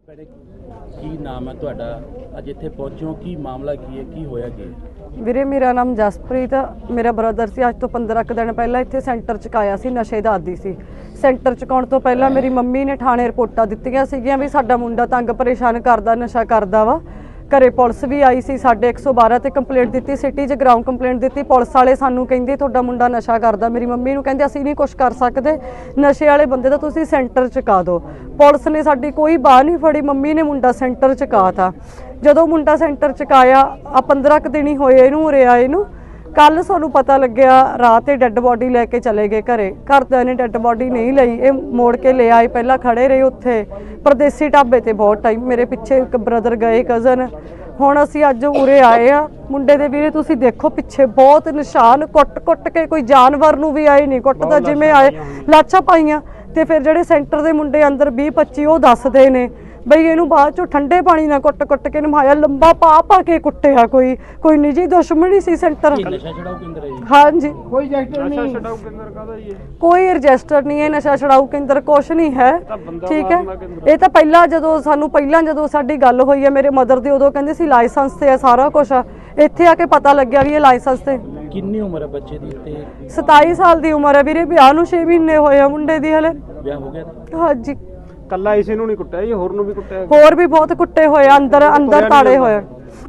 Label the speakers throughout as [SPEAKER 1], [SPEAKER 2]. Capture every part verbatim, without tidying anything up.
[SPEAKER 1] ਕੀ ਨਾਮ ਹੈ ਤੁਹਾਡਾ? ਅੱਜ ਇੱਥੇ ਪਹੁੰਚੋ, ਕੀ ਮਾਮਲਾ ਕੀ ਹੈ, ਕੀ ਹੋਇਆ ਕੀ?
[SPEAKER 2] ਵੀਰੇ ਮੇਰਾ ਨਾਮ ਜਸਪ੍ਰੀਤ, ਮੇਰਾ ਬ੍ਰਦਰ ਸੀ। ਅੱਜ ਤੋਂ ਪੰਦਰਾਂ ਕੁ ਦਿਨ ਪਹਿਲਾਂ ਇੱਥੇ ਸੈਂਟਰ 'ਚ ਆਇਆ ਸੀ, ਨਸ਼ੇ ਦਾ ਆਦੀ ਸੀ। ਸੈਂਟਰ 'ਚ ਆਉਣ ਤੋਂ ਪਹਿਲਾਂ ਮੇਰੀ ਮੰਮੀ ਨੇ ਥਾਣੇ ਰਿਪੋਰਟਾਂ ਦਿੱਤੀਆਂ ਸੀਗੀਆਂ ਵੀ ਸਾਡਾ ਮੁੰਡਾ ਤੰਗ ਪਰੇਸ਼ਾਨ ਕਰਦਾ, ਨਸ਼ਾ ਕਰਦਾ ਵਾ। ਘਰੇ ਪੁਲਿਸ ਵੀ ਆਈ ਸੀ, ਸਾਡੇ ਇੱਕ ਸੌ ਬਾਰਾਂ ਤੇ ਕੰਪਲੇਂਟ ਦਿੱਤੀ, ਸਿਟੀ 'ਚ ਗਰਾਊਂਡ ਕੰਪਲੇਂਟ ਦਿੱਤੀ। ਪੁਲਿਸ ਵਾਲੇ ਸਾਨੂੰ ਕਹਿੰਦੇ ਤੁਹਾਡਾ ਮੁੰਡਾ ਨਸ਼ਾ ਕਰਦਾ। ਮੇਰੀ ਮੰਮੀ ਨੂੰ ਕਹਿੰਦੇ ਅਸੀਂ ਨਹੀਂ ਕੁਛ ਕਰ ਸਕਦੇ, ਨਸ਼ੇ ਵਾਲੇ ਬੰਦੇ ਦਾ ਤੁਸੀਂ ਸੈਂਟਰ 'ਚ ਕਾ ਦਿਓ। ਪੁਲਿਸ ਨੇ ਸਾਡੀ ਕੋਈ ਬਾਹ ਨਹੀਂ ਫੜੀ, ਮੰਮੀ ਨੇ ਮੁੰਡਾ ਸੈਂਟਰ 'ਚ ਕਾ ਤਾ। ਜਦੋਂ ਮੁੰਡਾ ਸੈਂਟਰ 'ਚ ਕਾਇਆ ਆ ਪੰਦਰਾਂ ਕੁ ਦਿਨ ਹੀ ਹੋਏ ਇਹਨੂੰ ਉਰੇ ਆਏ ਨੂੰ। ਕੱਲ ਸਾਨੂੰ ਪਤਾ ਲੱਗਿਆ ਰਾਤ ਇਹ ਡੈੱਡ ਬੋਡੀ ਲੈ ਕੇ ਚਲੇ ਗਏ ਘਰੇ। ਘਰਦਿਆਂ ਨੇ ਡੈੱਡ ਬੋਡੀ ਨਹੀਂ ਲਈ, ਇਹ ਮੋੜ ਕੇ ਲੈ ਆਏ। ਪਹਿਲਾਂ ਖੜੇ ਰਹੇ ਉੱਥੇ ਪਰਦੇਸੀ ਢਾਬੇ ਤੇ ਬਹੁਤ ਟਾਈਮ, ਮੇਰੇ ਪਿੱਛੇ ਇੱਕ ਬ੍ਰਦਰ ਗਏ ਕਜ਼ਨ। ਹੁਣ ਅਸੀਂ ਅੱਜ ਉਰੇ ਆਏ ਆ। ਮੁੰਡੇ ਦੇ ਵੀਰੇ ਤੁਸੀਂ ਦੇਖੋ ਪਿੱਛੇ ਬਹੁਤ ਨਿਸ਼ਾਨ, ਕੁੱਟ ਕੁੱਟ ਕੇ, ਕੋਈ ਜਾਨਵਰ ਨੂੰ ਵੀ ਆਏ ਨਹੀਂ ਕੁੱਟਦਾ, ਜਿਵੇਂ ਆਏ ਲਾਛਾ ਪਾਈਆਂ। ਤੇ ਫਿਰ ਜਿਹੜੇ ਸੈਂਟਰ ਦੇ ਮੁੰਡੇ ਅੰਦਰ ਵੀਹ ਪੱਚੀ ਉਹ ਦੱਸਦੇ ਨੇ ਬਈ ਇਹਨੂੰ ਬਾਅਦ ਚੋਂ ਠੰਡੇ ਪਾਣੀ ਨਾਲ ਕੁੱਟ ਕੁੱਟ ਕੇ ਨਮਾਇਆ, ਲੰਬਾ ਪਾ ਪਾ ਕੇ ਕੁੱਟਿਆ। ਕੋਈ ਕੋਈ ਨਿੱਜੀ ਦੁਸ਼ਮਣੀ ਸੀ ਸੈਂਟਰ। ਹਾਂਜੀ ਕੋਈ ਰਜਿਸਟਰ ਨਹੀਂ, ਕੋਈ ਰਜਿਸਟਰ ਨਹੀਂ ਹੈ, ਨਸ਼ਾ ਛਡਾਊ ਕੇਂਦਰ ਕੁਛ ਨਹੀਂ ਹੈ। ਠੀਕ ਹੈ, ਇਹ ਤਾਂ ਪਹਿਲਾਂ ਜਦੋਂ ਸਾਨੂੰ ਪਹਿਲਾਂ ਜਦੋਂ ਸਾਡੀ ਗੱਲ ਹੋਈ ਹੈ ਮੇਰੇ ਮਦਰ ਦੀ, ਉਦੋਂ ਕਹਿੰਦੇ ਸੀ ਲਾਇਸੈਂਸ ਤੇ ਹੈ ਸਾਰਾ ਕੁਛ। ਇੱਥੇ ਆ ਕੇ ਪਤਾ ਲੱਗਿਆ ਵੀ ਇਹ ਲਾਇਸੈਂਸ ਤੇ।
[SPEAKER 1] ਕਿੰਨੀ ਉਮਰ ਹੈ ਬੱਚੇ ਦੀ? ਤੇ
[SPEAKER 2] ਸਤਾਈ ਸਾਲ ਦੀ ਉਮਰ ਹੈ ਵੀਰੇ। ਵਿਆਹ ਨੂੰ ਛੇ ਮਹੀਨੇ ਹੋਏ ਆ ਮੁੰਡੇ ਦੀ ਹਲੇ।
[SPEAKER 1] ਵਿਆਹ ਹੋ ਗਿਆ?
[SPEAKER 2] ਹਾਂਜੀ।
[SPEAKER 3] ਕੱਲਾ ਇਸੇ ਨੂੰ ਨਹੀਂ ਕੁੱਟਿਆ ਜੀ, ਹੋਰ ਨੂੰ ਵੀ ਕੁੱਟਿਆ?
[SPEAKER 2] ਹੋਰ ਵੀ ਬਹੁਤ ਕੁੱਟੇ ਹੋਏ, ਅੰਦਰ ਅੰਦਰ ਤਾੜੇ ਹੋਏ।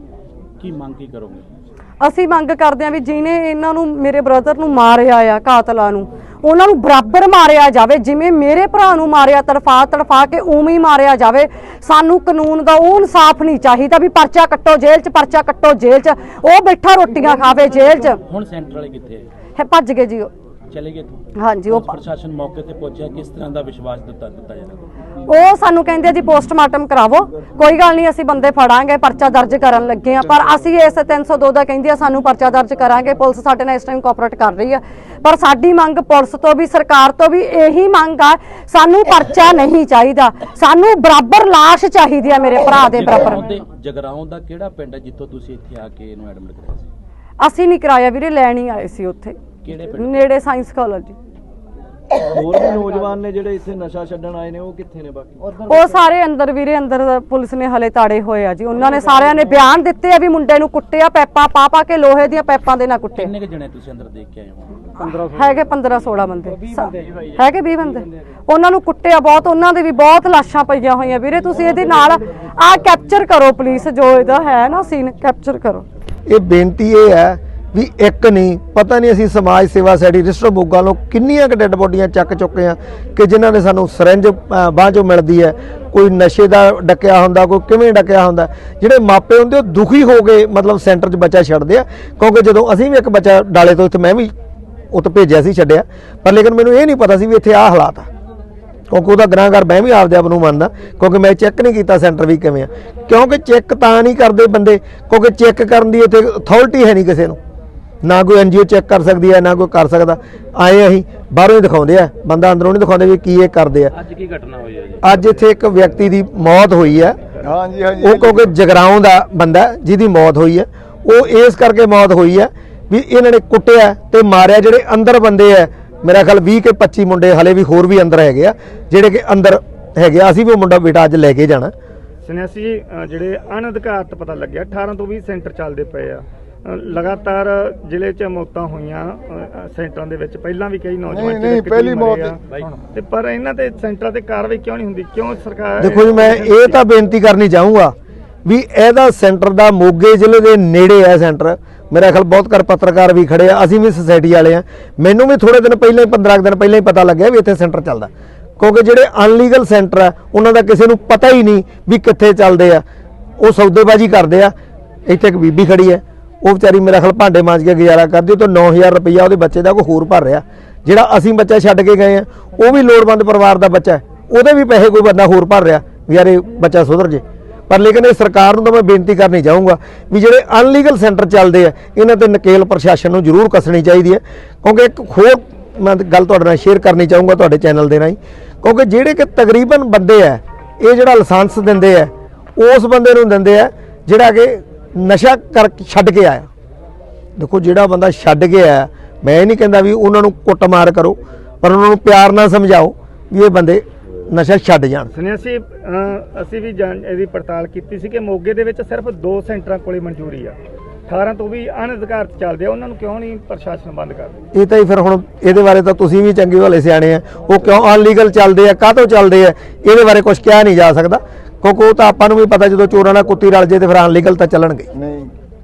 [SPEAKER 1] ਕੀ ਮੰਗ ਕੀ ਕਰੋਗੇ?
[SPEAKER 2] ਅਸੀਂ ਮੰਗ ਕਰਦੇ ਹਾਂ ਵੀ ਜਿਹਨੇ ਇਹਨਾਂ ਨੂੰ, ਮੇਰੇ ਬ੍ਰਦਰ ਨੂੰ ਮਾਰਿਆ ਆ, ਕਾਤਲਾਂ ਨੂੰ, ਉਹਨਾਂ ਨੂੰ ਬਰਾਬਰ ਮਾਰਿਆ ਜਾਵੇ। ਜਿਵੇਂ ਮੇਰੇ ਭਰਾ ਨੂੰ ਮਾਰਿਆ ਤੜਫਾ ਤੜਫਾ ਕੇ, ਉਵੇਂ ਹੀ ਮਾਰਿਆ ਜਾਵੇ। ਸਾਨੂੰ ਕਾਨੂੰਨ ਦਾ ਉਹ ਇਨਸਾਫ ਨਹੀਂ ਚਾਹੀਦਾ ਵੀ ਪਰਚਾ ਕੱਟੋ ਜੇਲ੍ਹ 'ਚ, ਪਰਚਾ ਕੱਟੋ ਜੇਲ੍ਹ 'ਚ। ਉਹ ਬੈਠਾ ਰੋਟੀਆਂ ਖਾਵੇ ਜੇਲ੍ਹ 'ਚ।
[SPEAKER 1] ਹੁਣ ਸੈਂਟਰ ਵਾਲੇ ਕਿੱਥੇ
[SPEAKER 2] ਹੈ? ਭੱਜ ਗਏ ਜੀ,
[SPEAKER 1] ਚਲੇ ਗਏ।
[SPEAKER 2] ਹਾਂਜੀ। ਉਹ
[SPEAKER 1] ਪ੍ਰਸ਼ਾਸਨ ਮੌਕੇ ਤੇ ਪਹੁੰਚਿਆ, ਕਿਸ ਤਰ੍ਹਾਂ ਦਾ ਵਿਸ਼ਵਾਸ ਦਿੱਤਾ ਦਿੱਤਾ ਜਾਂਦਾ?
[SPEAKER 2] ਉਹ ਸਾਨੂੰ ਕਹਿੰਦੇ ਜੀ ਪੋਸਟਮਾਰਟਮ ਕਰਾਵੋ, ਕੋਈ ਗੱਲ ਨਹੀਂ ਅਸੀਂ ਬੰਦੇ ਫੜਾਂਗੇ, ਪਰਚਾ ਦਰਜ ਕਰਨ ਲੱਗੇ ਆ। ਪਰ ਅਸੀਂ ਇਸ ਤਿੰਨ ਸੌ ਦੋ ਦਾ ਕਹਿੰਦੇ ਆ ਸਾਨੂੰ ਪਰਚਾ ਦਰਜ ਕਰਾਂਗੇ। ਪੁਲਿਸ ਸਾਡੇ ਨਾਲ ਇਸ ਟਾਈਮ ਕੋਆਪਰੇਟ ਕਰ ਰਹੀ ਆ, ਪਰ ਸਾਡੀ ਮੰਗ ਪੁਲਿਸ ਤੋਂ ਵੀ ਸਰਕਾਰ ਤੋਂ ਵੀ ਇਹੀ ਮੰਗ ਆ, ਸਾਨੂੰ ਪਰਚਾ ਨਹੀਂ ਚਾਹੀਦਾ, ਸਾਨੂੰ ਬਰਾਬਰ ਲਾਸ਼ ਚਾਹੀਦੀ ਆ ਮੇਰੇ ਭਰਾ ਦੇ ਬਰਾਬਰ।
[SPEAKER 1] ਜਗਰਾਉਂ ਦਾ ਕਿਹੜਾ ਪਿੰਡ ਹੈ ਜਿੱਥੋਂ ਤੁਸੀਂ ਇੱਥੇ ਆ ਕੇ ਇਹਨੂੰ ਐਡਮਿਟ ਕਰਾਇਆ ਸੀ?
[SPEAKER 2] ਅਸੀਂ ਨਹੀਂ ਕਰਾਇਆ ਵੀਰੇ, ਲੈਣ ਹੀ ਆਏ ਸੀ ਉੱਥੇ ਨੇੜੇ ਸਾਇੰਸ ਕਾਲਜ।
[SPEAKER 3] ਹੋਰ ਵੀ ਨੌਜਵਾਨ ਨੇ ਜਿਹੜੇ ਇੱਥੇ ਨਸ਼ਾ ਛੱਡਣ ਆਏ ਨੇ, ਉਹ ਕਿੱਥੇ ਨੇ? ਬਾਕੀ
[SPEAKER 2] ਉਹ ਸਾਰੇ ਅੰਦਰ ਵੀਰੇ, ਅੰਦਰ ਪੁਲਿਸ ਨੇ ਹਲੇ ਤਾੜੇ ਹੋਏ ਆ ਜੀ। ਉਹਨਾਂ ਨੇ ਸਾਰਿਆਂ ਨੇ ਬਿਆਨ ਦਿੱਤੇ ਆ ਵੀ ਮੁੰਡੇ ਨੂੰ ਕੁੱਟਿਆ, ਪੈਪਾਂ ਪਾ ਪਾ ਕੇ, ਲੋਹੇ ਦੀਆਂ ਪੈਪਾਂ ਦੇ ਨਾਲ ਕੁੱਟਿਆ।
[SPEAKER 1] ਕਿੰਨੇ ਜਣੇ ਤੁਸੀਂ ਅੰਦਰ ਦੇਖ ਕੇ ਆਏ ਹੋ?
[SPEAKER 2] ਹੈਗੇ ਪੰਦਰਾਂ ਸੋਲਾਂ ਬੰਦੇ, ਹੈਗੇ ਵੀਹ ਬੰਦੇ। ਉਹਨਾਂ ਨੂੰ ਕੁੱਟਿਆ ਬਹੁਤ, ਉਹਨਾਂ ਦੇ ਵੀ ਬਹੁਤ ਲਾਸ਼ਾਂ ਪਈਆਂ ਹੋਈਆਂ ਵੀਰੇ। ਤੁਸੀਂ ਇਹਦੇ ਨਾਲ ਆ ਕੈਪਚਰ ਕਰੋ ਪਲੀਜ਼, ਜੋ ਇਹਦਾ ਹੈ ਨਾ ਸੀਨ ਕੈਪਚਰ ਕਰੋ।
[SPEAKER 4] ਇਹ ਬੇਨਤੀ ਇਹ ਹੈ ਵੀ ਇੱਕ ਨਹੀਂ, ਪਤਾ ਨਹੀਂ ਅਸੀਂ ਸਮਾਜ ਸੇਵਾ ਸੋਸਾਇਟੀ ਰਜਿਸਟਰ ਮੋਗਾ ਨੂੰ ਕਿੰਨੀਆਂ ਕੁ ਡੈੱਡ ਬੋਡੀਆਂ ਚੱਕ ਚੁੱਕੇ ਆ ਕਿ ਜਿਨ੍ਹਾਂ ਨੇ ਸਾਨੂੰ ਸਰੰਜ ਬਾਂਹ 'ਚੋਂ ਮਿਲਦੀ ਹੈ, ਕੋਈ ਨਸ਼ੇ ਦਾ ਡੱਕਿਆ ਹੁੰਦਾ, ਕੋਈ ਕਿਵੇਂ ਡੱਕਿਆ ਹੁੰਦਾ। ਜਿਹੜੇ ਮਾਪੇ ਹੁੰਦੇ ਉਹ ਦੁਖੀ ਹੋ ਗਏ, ਮਤਲਬ ਸੈਂਟਰ 'ਚ ਬੱਚਾ ਛੱਡਦੇ ਆ। ਕਿਉਂਕਿ ਜਦੋਂ ਅਸੀਂ ਵੀ ਇੱਕ ਬੱਚਾ ਡਾਲੇ ਤੋਂ ਇੱਥੇ, ਮੈਂ ਵੀ ਉੱਥੇ ਭੇਜਿਆ ਸੀ, ਛੱਡਿਆ, ਪਰ ਲੇਕਿਨ ਮੈਨੂੰ ਇਹ ਨਹੀਂ ਪਤਾ ਸੀ ਵੀ ਇੱਥੇ ਆਹ ਹਾਲਾਤ ਆ। ਕਿਉਂਕਿ ਉਹਦਾ ਗੁਨਾਹਗਾਰ ਮੈਂ ਵੀ ਆਪਦੇ ਆਪ ਨੂੰ ਮੰਨਦਾ, ਕਿਉਂਕਿ ਮੈਂ ਚੈੱਕ ਨਹੀਂ ਕੀਤਾ ਸੈਂਟਰ ਵੀ ਕਿਵੇਂ ਆ। ਕਿਉਂਕਿ ਚੈੱਕ ਤਾਂ ਨਹੀਂ ਕਰਦੇ ਬੰਦੇ, ਕਿਉਂਕਿ ਚੈੱਕ ਕਰਨ ਦੀ ਇੱਥੇ ਅਥਾਰਟੀ ਹੈ ਨਹੀਂ ਕਿਸੇ ਨੂੰ, ਨਾ ਕੋਈ ਐਨ ਜੀ ਓ ਚੈੱਕ ਕਰ ਸਕਦੀ ਹੈ, ਨਾ ਕੋਈ ਕਰ ਸਕਦਾ। ਆਏ ਅਸੀਂ ਬਾਹਰੋਂ ਹੀ ਦਿਖਾਉਂਦੇ ਆ, ਬੰਦਾ ਅੰਦਰੋਂ ਨਹੀਂ ਦਿਖਾਉਂਦੇ ਵੀ ਕੀ ਇਹ ਕਰਦੇ ਆ।
[SPEAKER 1] ਅੱਜ ਕੀ ਘਟਨਾ ਹੋਈ ਹੈ ਜੀ?
[SPEAKER 4] ਅੱਜ ਇੱਥੇ ਇੱਕ ਵਿਅਕਤੀ ਦੀ ਮੌਤ ਹੋਈ ਹੈ। ਹਾਂਜੀ ਹਾਂਜੀ। ਉਹ ਕਿਉਂਕਿ ਜਗਰਾਉਂ ਦਾ ਬੰਦਾ ਜਿਹਦੀ ਮੌਤ ਹੋਈ ਹੈ, ਉਹ ਇਸ ਕਰਕੇ ਮੌਤ ਹੋਈ ਹੈ ਵੀ ਇਹਨਾਂ ਨੇ ਕੁੱਟਿਆ ਤੇ ਮਾਰਿਆ। ਜਿਹੜੇ ਅੰਦਰ ਬੰਦੇ ਆ, ਮੇਰਾ ਖਿਆਲ ਵੀਹ ਕੇ ਪੱਚੀ ਮੁੰਡੇ ਹਲੇ ਵੀ ਹੋਰ ਵੀ ਅੰਦਰ ਹੈਗੇ ਆ, ਜਿਹੜੇ ਕਿ ਅੰਦਰ ਹੈਗੇ ਆ। ਅਸੀਂ ਵੀ ਉਹ ਮੁੰਡਾ ਬੇਟਾ ਅੱਜ ਲੈ ਕੇ ਜਾਣਾ।
[SPEAKER 3] ਸੁਨਿਆਸੀ ਜੀ, ਜਿਹੜੇ ਅਣਅਧਿਕਾਰਤ ਪਤਾ ਲੱਗਿਆ ਅਠਾਰਾਂ ਤੋਂ ਵੀਹ ਸੈਂਟਰ ਚੱਲਦੇ ਪਏ ਆ, ਲਗਾਤਾਰ ਜ਼ਿਲ੍ਹੇ 'ਚ ਮੌਤਾਂ ਹੋਈਆਂ ਸੈਂਟਰਾਂ ਦੇ ਵਿੱਚ। ਪਹਿਲਾਂ ਵੀ ਕਈ ਨੌਜਵਾਨ ਨਹੀਂ ਪਹਿਲੀ ਮੌਤ ਤੇ, ਪਰ ਇਹਨਾਂ ਤੇ ਸੈਂਟਰਾਂ ਤੇ ਕਾਰਵਾਈ ਕਿਉਂ ਨਹੀਂ ਹੁੰਦੀ? ਕਿਉਂ ਸਰਕਾਰ?
[SPEAKER 4] ਦੇਖੋ ਜੀ, ਮੈਂ ਇਹ ਤਾਂ ਬੇਨਤੀ ਕਰਨੀ ਚਾਹੂੰਗਾ ਵੀ ਇਹਦਾ ਸੈਂਟਰ ਦਾ ਮੋਗੇ ਜ਼ਿਲ੍ਹੇ ਦੇ ਨੇੜੇ ਹੈ ਸੈਂਟਰ। ਮੇਰਾ ਖਿਆਲ ਬਹੁਤ ਕਰ ਪੱਤਰਕਾਰ ਵੀ ਖੜੇ ਆ, ਅਸੀਂ ਵੀ ਸੁਸਾਇਟੀ ਵਾਲੇ ਆ। ਮੈਨੂੰ ਵੀ ਥੋੜੇ ਦਿਨ ਪਹਿਲਾਂ ਹੀ, ਪੰਦਰਾਂ ਦਿਨ ਪਹਿਲਾਂ ਹੀ ਪਤਾ ਲੱਗਿਆ ਵੀ ਇੱਥੇ ਸੈਂਟਰ ਚੱਲਦਾ। ਕਿਉਂਕਿ ਜਿਹੜੇ ਅਨਲੀਗਲ ਸੈਂਟਰ ਆ ਉਹਨਾਂ ਦਾ ਕਿਸੇ ਨੂੰ ਪਤਾ ਹੀ ਨਹੀਂ ਵੀ ਕਿੱਥੇ ਚੱਲਦੇ ਆ, ਉਹ ਸੌਦੇਬਾਜ਼ੀ ਕਰਦੇ ਆ। ਇੱਥੇ ਇੱਕ ਬੀਬੀ ਖੜੀ ਹੈ, ਉਹ ਵਿਚਾਰੀ ਮੇਰਾ ਖਿਆਲ ਭਾਂਡੇ ਮਾਂਜ ਕੇ ਗੁਜ਼ਾਰਾ ਕਰਦੀ, ਉਹ ਤੋਂ ਨੌ ਹਜ਼ਾਰ ਰੁਪਈਆ ਉਹਦੇ ਬੱਚੇ ਦਾ ਕੋਈ ਹੋਰ ਭਰ ਰਿਹਾ। ਜਿਹੜਾ ਅਸੀਂ ਬੱਚਾ ਛੱਡ ਕੇ ਗਏ ਆ, ਉਹ ਵੀ ਲੋੜਵੰਦ ਪਰਿਵਾਰ ਦਾ ਬੱਚਾ ਹੈ, ਉਹਦੇ ਵੀ ਪੈਸੇ ਕੋਈ ਬੰਦਾ ਹੋਰ ਭਰ ਰਿਹਾ ਵੀ ਯਾਰ ਇਹ ਬੱਚਾ ਸੁਧਰ ਜੇ। ਪਰ ਲੇਕਿਨ ਇਹ ਸਰਕਾਰ ਨੂੰ ਤਾਂ ਮੈਂ ਬੇਨਤੀ ਕਰਨੀ ਚਾਹੂੰਗਾ ਵੀ ਜਿਹੜੇ ਅਨਲੀਗਲ ਸੈਂਟਰ ਚੱਲਦੇ ਆ, ਇਹਨਾਂ ਤੇ ਨਕੇਲ ਪ੍ਰਸ਼ਾਸਨ ਨੂੰ ਜ਼ਰੂਰ ਕੱਸਣੀ ਚਾਹੀਦੀ ਹੈ। ਕਿਉਂਕਿ ਇੱਕ ਹੋਰ ਮੈਂ ਗੱਲ ਤੁਹਾਡੇ ਨਾਲ ਸ਼ੇਅਰ ਕਰਨੀ ਚਾਹੂੰਗਾ ਤੁਹਾਡੇ ਚੈਨਲ ਦੇ ਰਾਹੀਂ, ਕਿਉਂਕਿ ਜਿਹੜੇ ਕਿ ਤਕਰੀਬਨ ਬੰਦੇ ਆ, ਇਹ ਜਿਹੜਾ ਲਾਇਸੈਂਸ ਦਿੰਦੇ ਆ ਉਸ ਬੰਦੇ ਨੂੰ ਦਿੰਦੇ ਆ ਜਿਹੜਾ ਕਿ ਨਸ਼ਾ ਕਰ ਛੱਡ ਕੇ ਆਇਆ। ਦੇਖੋ ਜਿਹੜਾ ਬੰਦਾ ਛੱਡ ਕੇ ਆਇਆ, ਮੈਂ ਇਹ ਨਹੀਂ ਕਹਿੰਦਾ ਵੀ ਉਹਨਾਂ ਨੂੰ ਕੁੱਟਮਾਰ ਕਰੋ, ਪਰ ਉਹਨਾਂ ਨੂੰ ਪਿਆਰ ਨਾਲ ਸਮਝਾਓ ਵੀ ਇਹ ਬੰਦੇ ਨਸ਼ਾ ਛੱਡ ਜਾਣ।
[SPEAKER 3] ਸੁਣਿਆ ਸੀ ਅਹ, ਅਸੀਂ ਵੀ ਜਾਣ ਇਹਦੀ ਪੜਤਾਲ ਕੀਤੀ ਸੀ ਕਿ ਮੋਗੇ ਦੇ ਵਿੱਚ ਸਿਰਫ ਦੋ ਸੈਂਟਰਾਂ ਕੋਲੇ ਮਨਜ਼ੂਰੀ ਆ, ਅਠਾਰਾਂ ਤੋਂ ਵੀ ਅਣਅਧਿਕਾਰਤ ਚੱਲਦੇ ਆ, ਉਹਨਾਂ ਨੂੰ ਕਿਉਂ ਨਹੀਂ ਪ੍ਰਸ਼ਾਸਨ ਬੰਦ ਕਰਦਾ?
[SPEAKER 4] ਇਹ ਤਾਂ ਹੀ ਫਿਰ ਹੁਣ ਇਹਦੇ ਬਾਰੇ ਤਾਂ ਤੁਸੀਂ ਵੀ ਚੰਗੇ ਭਲੇ ਸਿਆਣੇ ਆ, ਉਹ ਕਿਉਂ ਅਨਲੀਗਲ ਚੱਲਦੇ ਆ, ਕਾਹਤੋਂ ਚੱਲਦੇ ਆ, ਇਹਦੇ ਬਾਰੇ ਕੁਝ ਕਿਹਾ ਨਹੀਂ ਜਾ ਸਕਦਾ, ਕਿਉਂਕਿ ਉਹ ਤਾਂ ਆਪਾਂ ਨੂੰ ਵੀ ਪਤਾ ਜਦੋਂ ਚੋਰਾਂ ਨਾਲ ਕੁੱਤੀ ਰਲ ਜੇ ਤੇ ਫਿਰ ਅਨਲੀਗਲ ਤਾਂ ਚੱਲਣਗੇ।
[SPEAKER 5] ਨਹੀਂ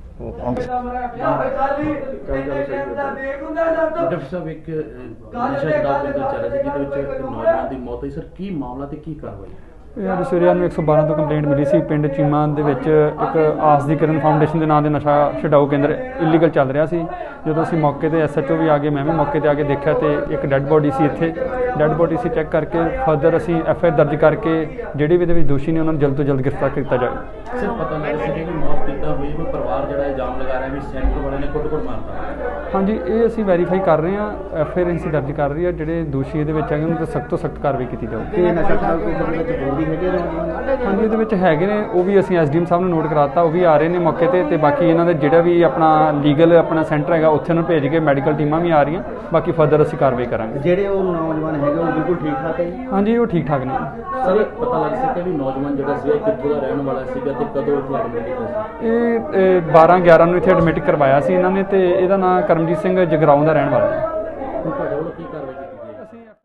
[SPEAKER 1] ਡਾਕਟਰ ਸਾਹਿਬ ਇੱਕ ਅਹ, ਨਸ਼ਾ ਛਡਾਊ ਕੇਂਦਰ ਚੱਲ ਰਿਹਾ ਸੀ ਜਿਹਦੇ ਵਿੱਚ ਇੱਕ ਨੌਜਵਾਨ ਦੀ ਮੌਤ ਹੋਈ ਸਰ, ਕੀ ਮਾਮਲਾ ਤੇ ਕੀ ਕਾਰਵਾਈ?
[SPEAKER 6] ਇਹ ਅੱਜ ਸਵੇਰੇ ਨੂੰ ਇੱਕ ਸੌ ਬਾਰਾਂ ਤੋਂ ਕੰਪਲੇਂਟ ਮਿਲੀ ਸੀ ਪਿੰਡ ਚੀਮਾ ਦੇ ਵਿੱਚ ਇੱਕ ਆਸ ਦੀ ਕਿਰਨ ਫਾਊਂਡੇਸ਼ਨ ਦੇ ਨਾਂ ਦੇ ਨਸ਼ਾ ਛਡਾਊ ਕੇਂਦਰ ਇਲੀਗਲ ਚੱਲ ਰਿਹਾ ਸੀ। ਜਦੋਂ ਅਸੀਂ ਮੌਕੇ ਤੇ ਐਸ ਐਚ ਓ ਵੀ ਆ ਗਏ, ਮੈਂ ਵੀ ਮੌਕੇ ਤੇ ਆ ਕੇ ਦੇਖਿਆ ਤੇ ਇੱਕ ਡੈੱਡ ਬੋਡੀ ਸੀ ਇੱਥੇ। ਡੈੱਡ ਬੋਡੀ ਸੀ ਚੈੱਕ ਕਰਕੇ ਫਰਦਰ ਅਸੀਂ ਐਫ ਆਈ ਆਰ ਦਰਜ ਕਰਕੇ ਜਿਹੜੇ ਵੀ ਇਹਦੇ ਵਿੱਚ ਦੋਸ਼ੀ ਨੇ ਉਹਨਾਂ ਨੂੰ ਜਲਦ ਤੋਂ ਜਲਦ ਗ੍ਰਿਫਤਾਰ ਕੀਤਾ ਜਾਵੇ।
[SPEAKER 1] ਸਰ ਪਤਾ ਲੱਗ ਰਿਹਾ ਸੀ ਕਿ ਮੌਤ ਕਿੱਦਾਂ ਹੋਈ, ਕੋਈ ਪਰਿਵਾਰ ਜਿਹੜਾ ਇਲਜ਼ਾਮ ਲਗਾ ਰਿਹਾ ਵੀ ਸੈਂਟਰ ਵਾਲਿਆਂ ਨੇ ਕੁੱਟ-ਕੁੱਟ ਮਾਰਤਾ।
[SPEAKER 6] ਹਾਂਜੀ, ਇਹ ਅਸੀਂ ਵੈਰੀਫਾਈ ਕਰ ਰਹੇ ਹਾਂ, ਐਫ ਆਈ ਆਰ ਅਸੀਂ ਦਰਜ ਕਰ ਰਹੀ ਹੈ। ਜਿਹੜੇ ਦੋਸ਼ੀ ਇਹਦੇ ਵਿੱਚ ਹੈਗੇ ਉਹਨਾਂ 'ਤੇ ਸਖਤ ਤੋਂ ਸਖਤ ਕਾਰਵਾਈ ਕੀਤੀ ਜਾਊਗੀ।
[SPEAKER 5] ਤੇ ਨਸ਼ਾ ਛਡਾਊ ਕੇਂਦਰ ਦੇ ਵਿੱਚ ਹੋਰ ਵੀ ਹੈਗੇ ਨੌਜਵਾਨ?
[SPEAKER 6] ਹਾਂਜੀ, ਇਹਦੇ ਵਿੱਚ ਹੈਗੇ ਨੇ, ਉਹ ਵੀ ਅਸੀਂ ਐਸ ਡੀ ਐਮ ਸਾਹਿਬ ਨੂੰ ਨੋਟ ਕਰਾਤਾ, ਉਹ ਵੀ ਆ ਰਹੇ ਨੇ ਮੌਕੇ ਤੇ ਤੇ ਬਾਕੀ ਇਹਨਾਂ ਦੇ ਜਿਹੜਾ ਵੀ ਆਪਣਾ ਲੀਗਲ ਆਪਣਾ ਸੈਂਟਰ ਹੈਗਾ ਉੱਥੇ ਉਹਨੂੰ ਭੇਜ ਕੇ ਮੈਡੀਕਲ ਟੀਮਾਂ ਵੀ ਆ ਰਹੀਆਂ, ਬਾਕੀ ਫਰਦਰ ਅਸੀਂ ਕਾਰਵਾਈ ਕਰਾਂਗੇ।
[SPEAKER 5] ਜਿਹੜੇ ਉਹ ਨੌਜਵਾਨ ਹੈਗੇ ਉਹ ਬਿਲਕੁਲ ਠੀਕ ਠਾਕ ਹੈ ਜੀ?
[SPEAKER 6] ਹਾਂਜੀ, ਉਹ ਠੀਕ ਠਾਕ ਨੇ।
[SPEAKER 1] ਸਰ ਇਹ ਪਤਾ ਲੱਗ ਸਕਿਆ ਵੀ ਨੌਜਵਾਨ ਜਿਹੜਾ ਸੀਗਾ ਕਿੱਥੋਂ ਦਾ ਰਹਿਣ ਵਾਲਾ ਸੀਗਾ ਤੇ ਕਦੋਂ ਇੱਥੇ ਐਡਮਿਟ ਕੀਤਾ ਸੀ?
[SPEAKER 6] ਇਹ ਬਾਰਾਂ ਗਿਆਰਾਂ ਨੂੰ ਇੱਥੇ ਐਡਮਿਟ ਕਰਵਾਇਆ ਸੀ ਇਹਨਾਂ ਨੇ ਤੇ ਇਹਦਾ ਨਾਮ ਕਰਮਜੀਤ ਸਿੰਘ ਜਗਰਾਉਂ ਦਾ ਰਹਿਣ ਵਾਲਾ ਹੈ।